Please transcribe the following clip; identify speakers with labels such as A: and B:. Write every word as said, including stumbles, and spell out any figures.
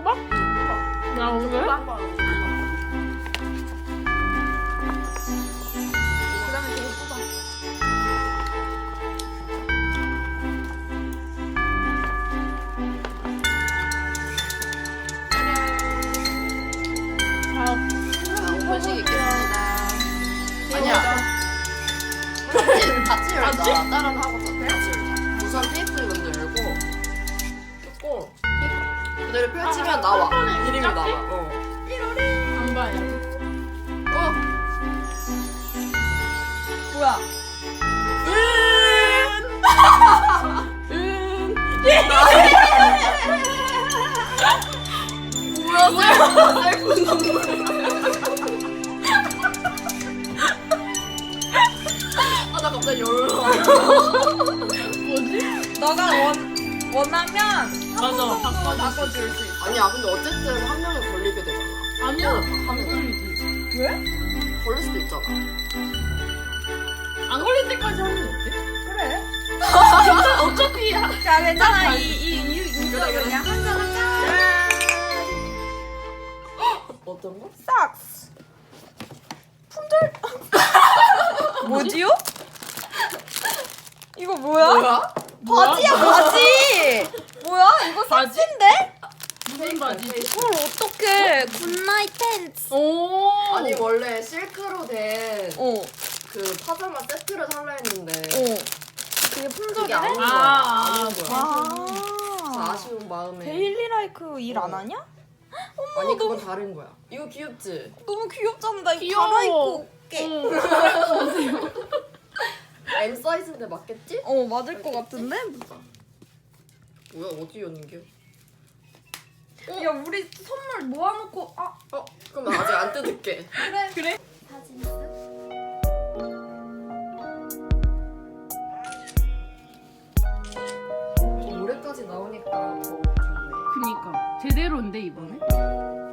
A: 뽑아? 나 오늘?
B: 그다음에 저거 뽑아.
A: 자,
C: 오픈식 있겠습니다. 아니야. 같이, 같이 열자. 다른 하고 같이 열자. 우선 테이프 먼저 열고 뜯고 그대로 펼치면 나와. 이름이 나와. 어.
A: 안 봐요.
C: 어.
B: 뭐야?
A: 은.
C: 뭐야? 셀프 눈물. 아, 나 갑자기 열나.
A: 뭐지?
B: 너가 원 원하면
A: 맞아. 바꿔.
B: 바꿔줄 수 있어.
C: 아니야, 근데 어쨌든 한 명이 걸리게 되잖아.
A: 아니야.
C: 하면
A: 안
C: 돼.
A: 걸리지.
B: 왜?
C: 걸릴 수도 있잖아.
A: 안 걸릴 때까지 하면 어때?
B: 그래.
A: 어차피 하-
B: 자 괜찮아.
A: 딱
B: 이이 이거
C: 그래, 그래.
B: 그냥 한잔 하자.
C: 어떤 거?
B: 싹스. 품절. 뭐지요? 이거 뭐야?
C: 뭐야?
B: 바지야 바지. 뭐야? 이거
A: 바지?
B: 삭스인데?
A: 무슨 바지지?
B: 이걸 어떻게? 굿나잇 텐츠.
A: 오.
C: 아니 원래 실크로 된 그
B: 어.
C: 파자마 세트를 살라 했는데
B: 어. 그게
C: 그게
B: 품절이래?
C: 안 온 거야.
A: 아,
C: 안 온 거야.
B: 아.
C: 그래서 아쉬운 마음에.
B: 데일리 라이크 일 안
C: 어.
B: 하냐?
C: 아니 그건 다른 거야. 이거 귀엽지?
B: 너무 귀엽잖아. 나 이거
A: 귀여워.
B: 갈아입고 올게.
A: 응.
C: M 사이즈인데 맞겠지?
B: 어 맞을 것 같은데?
C: 뭐야 어디 연기야?
B: 야 우리 선물 모아놓고 아
C: 어? 그럼 나 아직 안 뜯을게.
B: 그래
A: 그래?
B: 사진 있어?
C: 올해까지 나오니까 더 좋네.
A: 그니까 제대로인데 이번에?